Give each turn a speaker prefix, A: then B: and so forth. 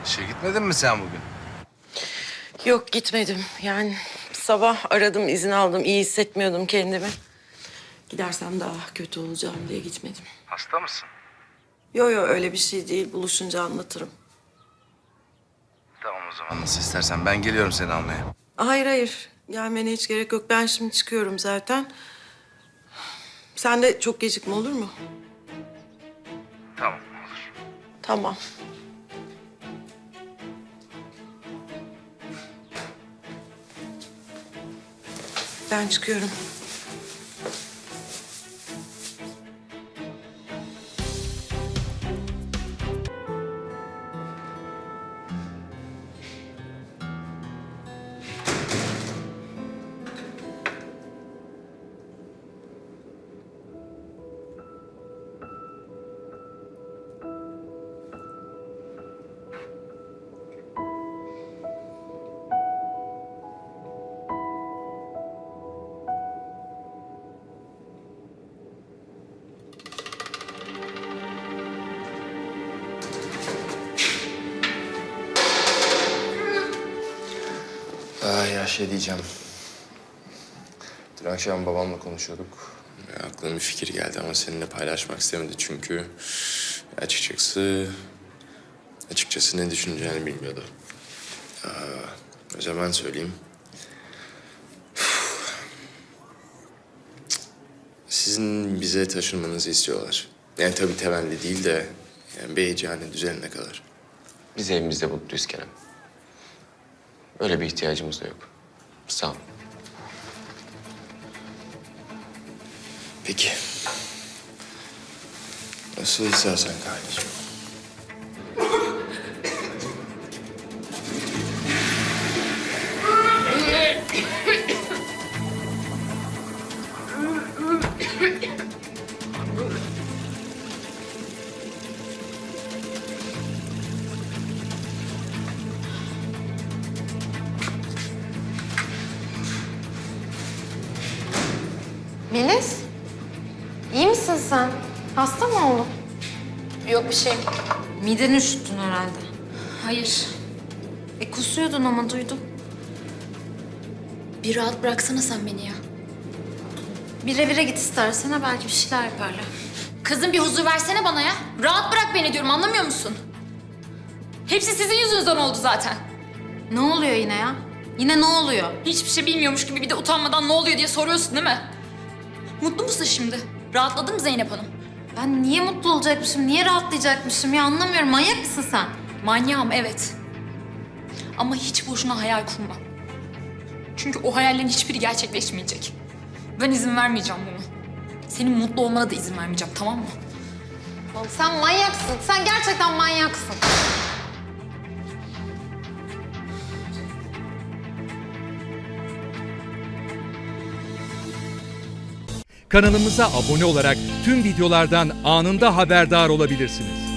A: İşe gitmedin mi sen bugün?
B: Yok gitmedim. Yani sabah aradım, izin aldım. İyi hissetmiyordum kendimi. Gidersem daha kötü olacağım diye gitmedim.
A: Hasta mısın?
B: Yo öyle bir şey değil. Buluşunca anlatırım.
A: Tamam o zaman nasıl istersen. Ben geliyorum seni almaya.
B: Hayır. Gelmene hiç gerek yok. Ben şimdi çıkıyorum zaten. Sen de çok gecikme olur mu?
A: Tamam olur.
B: Tamam. Ben çıkıyorum.
C: Ya şey diyeceğim. Dün akşam babamla konuşuyorduk. Aklıma bir fikir geldi ama seninle paylaşmak istemedi çünkü açıkçası ne düşüneceğini bilmiyordu. O zaman söyleyeyim. Sizin bize taşınmanızı istiyorlar. Yani tabii temelli değil de yani Beyciğane düzenine kadar.
D: Biz evimizde mutluyuz Kerem. Öyle bir ihtiyacımız da yok. Sağ ol.
C: Peki. Nasıl istersen kardeşim.
E: Melis, iyi misin sen? Hasta mı oldun?
F: Yok bir şey.
E: Mideni üşüttün herhalde.
F: Hayır.
E: Kusuyordun ama duydum.
F: Bir rahat bıraksana sen beni ya.
E: Bir revire git istersen ha, belki bir şeyler yaparlar.
F: Kızım bir huzur versene bana ya. Rahat bırak beni diyorum, anlamıyor musun? Hepsi sizin yüzünüzden oldu zaten.
E: Ne oluyor yine ya? Yine ne oluyor?
F: Hiçbir şey bilmiyormuş gibi bir de utanmadan ne oluyor diye soruyorsun değil mi? Mutlu musun şimdi? Rahatladın mı Zeynep Hanım?
E: Ben niye mutlu olacakmışım, niye rahatlayacakmışım ya, anlamıyorum. Manyak mısın sen?
F: Manyağım evet. Ama hiç boşuna hayal kurma. Çünkü o hayallerin hiçbiri gerçekleşmeyecek. Ben izin vermeyeceğim bunu. Senin mutlu olmana da izin vermeyeceğim, tamam mı?
E: Oğlum sen manyaksın, sen gerçekten manyaksın.
G: Kanalımıza abone olarak tüm videolardan anında haberdar olabilirsiniz.